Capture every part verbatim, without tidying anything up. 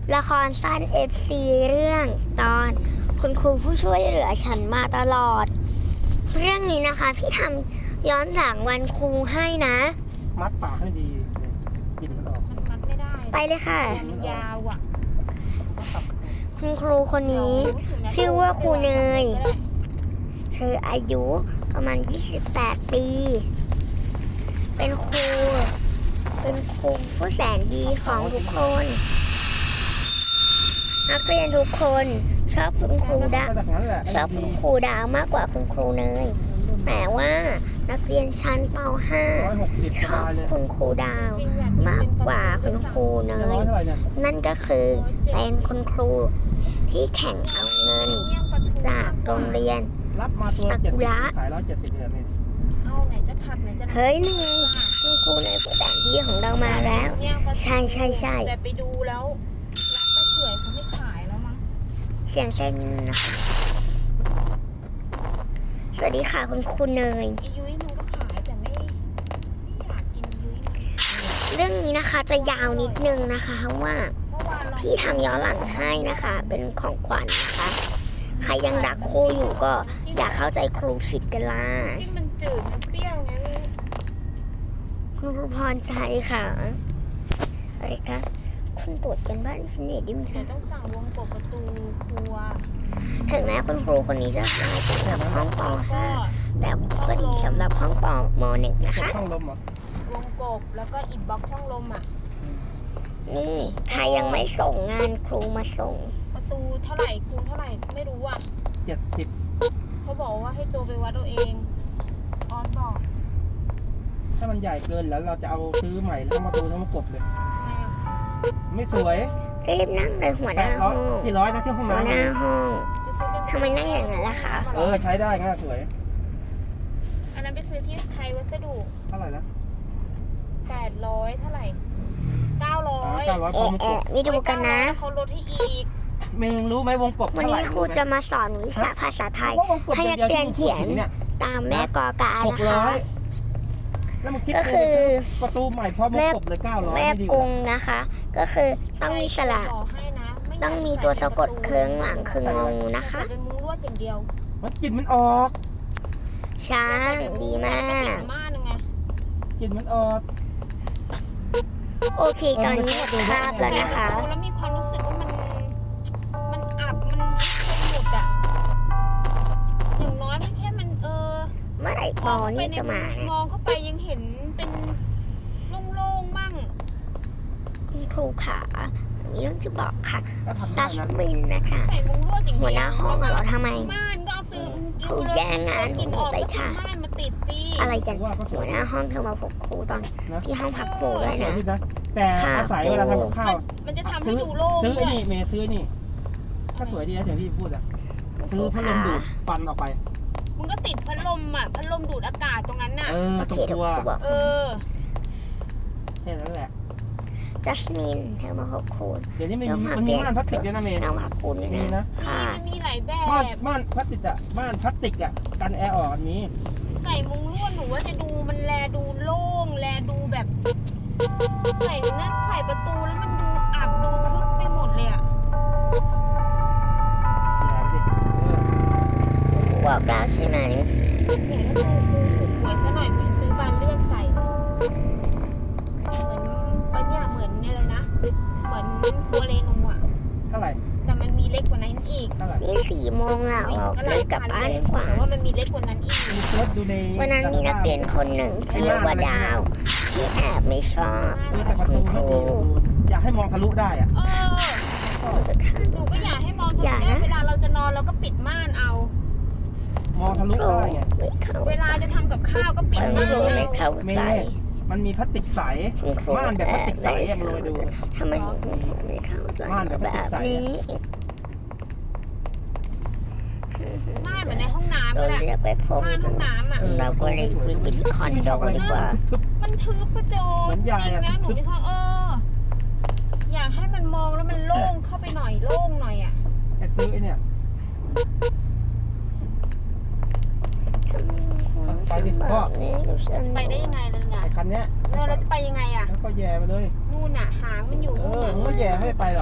ละครสั้น เอฟ ซี เรื่องตอนคุณครูผู้ช่วยเหลือฉันมาตลอดเรื่องนี้นะคะพี่ทำย้อนหลังวันครูให้นะมัดปากให้ดีกินมันออกมันมัดไม่ได้ไปเลยค่ะมันยาวอ่ะคุณครูคนนี้ชื่อว่าครูเนยเธออายุประมาณยี่สิบแปดปีเป็นครูเป็นครูผู้แสนดีของทุกคนนักเรียนทุกคนชอบคุณครูดาวชอบคุณครูดาวมากกว่าคุณครูเนยแต่ว่านักเรียนชั้นป ห้า ชอบคุณครูดาวมากกว่าคุณครูเนยนั่นก็คือเป็นคุณครูที่แข่งเอาเงินจากโรงเรียนรับมาตัวเจ็ดสิบขายร้อยเจ็ดสิบเดือนเอาไหนจะผัดไหนจะเฮ้ยนี่ไงคุณครูเนยผู้แสนดีของเรามาแล้วใช่ใช่ใช่แต่ไปดูแล้วร้านป้าเฉยเขาไม่ขายแล้วมั้งเสียงเส้นนะคะสวัสดีค่ะคุณครูเนยยุ้ยมันก็ขายแต่ไม่ไม่อยากกินยุ้ยเรื่องนี้นะคะจะยาวนิดนึงนะคะเพราะว่าพี่ทำย้อนหลังให้นะคะเป็นของขวัญนะคะใครยังรักครูอยู่ก็อยากเข้าใจครูผิดกันล่ะจิ้มมันจืดมันเปรี้ยวไงคุณครูพรชัยค่ะอะไรคะคุณตรวจกันบ้านชิ้นไหนดิมคะต้องสั่งวงกบประตูครัวถึงแม้คุณครูคนนี้จะมาสำหรับห้องป ห้า แต่ก็ดีสำหรับห้องป ม หนึ่ง นะคะช่องลมเหรอวงกบแล้วก็อิฐบล็อกช่องลมอ่ะนี่ใครยังไม่ส่งงานครูมาส่งประตูเท่าไหร่คูณเท่าไหร่ไม่รู้อ่ะเจ็ดสิบเขาบอกว่าให้โจไปวัดเอาเองออสบอกถ้ามันใหญ่เกินแล้วเราจะเอาซื้อใหม่แล้วมาตูทั้งมากบเลยไม่สวยรีบนั่งเลยหัวหน้าห้องที่ร้อยนะที่ห้องน้ำหัวหน้าห้องทำไมนั่งอย่างนั้นล่ะคะเออใช้ได้ง่ายสวยอันนั้นไปซื้อที่ไทยวัสดุเท่าไหร่นะแปดร้อยเท่าไหร่เก้าร้อยเก้าร้อยเอ๊ะเอ๊ะวิดูกันนะเขาลดให้อีกเมงรู้ไหมวงกบวันนี้ครูจะมาสอนวิชาภาษาไทยให้นักเรียนเขียนตามแม่กอกานะคะก็คือประตูใหม่พร้อมวงกบเลยเก้าร้อยแม่กงนะคะก็คือต้องมีสระต้องมีตัวสะกดเครื่องหลังคืองงนะคะเป็นมุ้งลวดอย่างเดียวมันกลิ่นมันออกช้างดีมากกลิ่นมันออกโอเคตอนนี้หมดคาบแล้วนะคะแล้วมีความรู้สึกว่ามันมันอับมันเป็นหมดอ่ะอย่างน้อยมันแค่มันเออเมื่อไหร่ปอนี่จะมามองเข้าไปยังเห็นเป็นโล่งๆมั่งคุณครูขามีเรื่องจะบอกค่ะจัสมินนะคะหัวหน้าห้องเราทำไมครูแย่งงานหนูไปค่ะอะไรกันหัวหน้าห้องเธอมาพบครูตอนที่ห้องพักครูด้วยนะแต่อาศัยเวลาทำกับข้าวมันจะทำให้ดูโล่งซื้อไอ้นี่เมย์ซื้อนี่ก็สวยดีนะอย่างที่พูดอ่ะซื้อพัดลมดูดฟันออกไปมันก็ติดพัดลมอ่ะพัดลมดูดอากาศตรงนั้นน่ะเออตรงตัวเออแค่นั้นแหละจัสมินเธอมาพบครูเดี๋ยวนี้มันมันมีม่านพลาสติกด้วยนะเมย์น้องพักครูด้วยนะค่ะมันมีหลายแบบม่านพลาสติกอ่ะม่านพลาสติกอ่ะกันแอร์ออกอันนี้ใส่มุ้งลวดหนูว่าจะดูมันแลดูโล่งแลดูแบบใส่นั่นใส่ประตูแล้วมันดูอับดูทึบไปหมดเลยอ่ะบอกแล้วใช่ไหมเนี่ยถ้ากูกูถูกหวยซะหน่อยกูจะซื้อบานเลือกใส่เหมือนบางอย่างเหมือนเนี่ยเลยนะเหมือนครัวเรนูอ่ะเท่าไหร่แต่มันมีเล็กกว่านั้นอีกนี่สี่โมงแล้วเรากลับบ้านดีกว่าว่ามันมีเล็กกว่านั้นอีกวันนั้นมีนักเรียนคนหนึ่งชื่อว่าดาวที่แอบไม่ชอบคุณครูอยากให้มองทะลุได้อ่ะเออหนูก็อยากให้มองทะลุได้เวลาเราจะนอนเราก็ปิดม่านเอามองทะลุได้ไงเวลาจะทำกับข้าวก็ปิดม่านเอาไม่เข้าใจมันมีพลาสติกใสม่านแบบพลาสติกใสยังเลยดูทำไมไม่เข้าใจม่านแบบนี้ม่านเหมือนในห้องน้ำเลยม่านห้องน้ำอ่ะเราก็เลยวิ่งไปที่คอนโดดีกว่ามันทึบประโจจริงนะหนูมีความเอออยากให้มันมองแล้วมันโล่งเข้าไปหน่อยโล่งหน่อยอ่ะไอ้ซื้อไอ้เนี่ยไปดิแบพ่อบนี้กับฉันไปได้ยังไงล่ะเนี่ยไอ้คันเนี้ยเออเราจะไปยังไงอ่ะแล้วก็แย่ไปเลยนู่นน่ะหางมันอยู่เอนู่นอน่ะมึงก็แย่ไม่ไปหรอก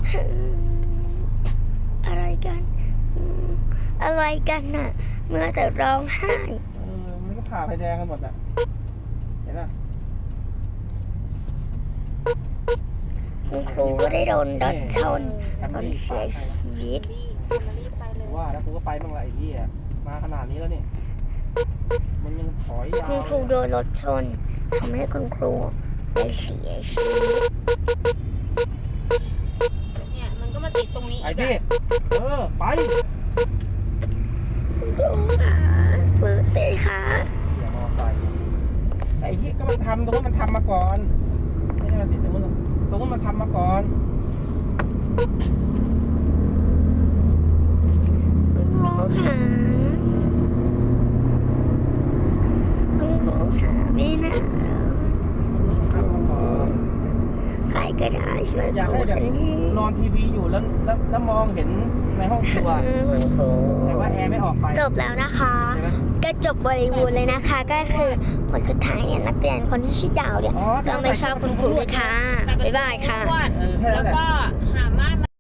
อะไรกันอืมอะไรกันน่ะ เมื่อแต่ร้องไห้เออมันก็ผ่าไฟแดงกันหมดอ่ะเห็นป่ะคุณครูก็ได้โดนรถชนจนเสียชีวิตรีบรีบไปเลยว่าแล้วกูก็ไปบ้างละไอ้เหี้ยมาขนาดนี้แล้วเนี่ยมันยังถอยยาวคุณครูโดนรถชนทำให้คุณครูได้เสียชีวิตเนี่ยมันก็มาติดตรงนี้ไอ้อีกพี่อะเออไปคุณครูค่ะฟื้นสิคะอย่ามอไซค์ไอ้ที่ก็มันทำตรงนั้นมันทำมาก่อนไม่ใช่มาติดตรงนั้นหรอกตรงนั้นมันทำมาก่อนคุณครูค่ะคุณครูค่ะไม่น่าทำมาก่อนใครก็ได้ช่วยอยากครูให้แบฉับนทีนอนทีวีอยู่แล้วแล้วแล้วมองเห็นในห้องครัวเออคุณครูแต่ว่าแอร์ไม่ออกไปจบแล้วนะคะใช่ไหมก็จบบริบูรณ์เลยนะคะ ก็คือผลสุดท้ายเนี่ยนักเรียนคนที่ชื่อดาวเนี่ยอ๋อก็ไม่ชอบคุณครูเลยค่ะ บ๊ายบายค่ะอ้วนเออแค่แล้นั้วนแหละก็หามารถ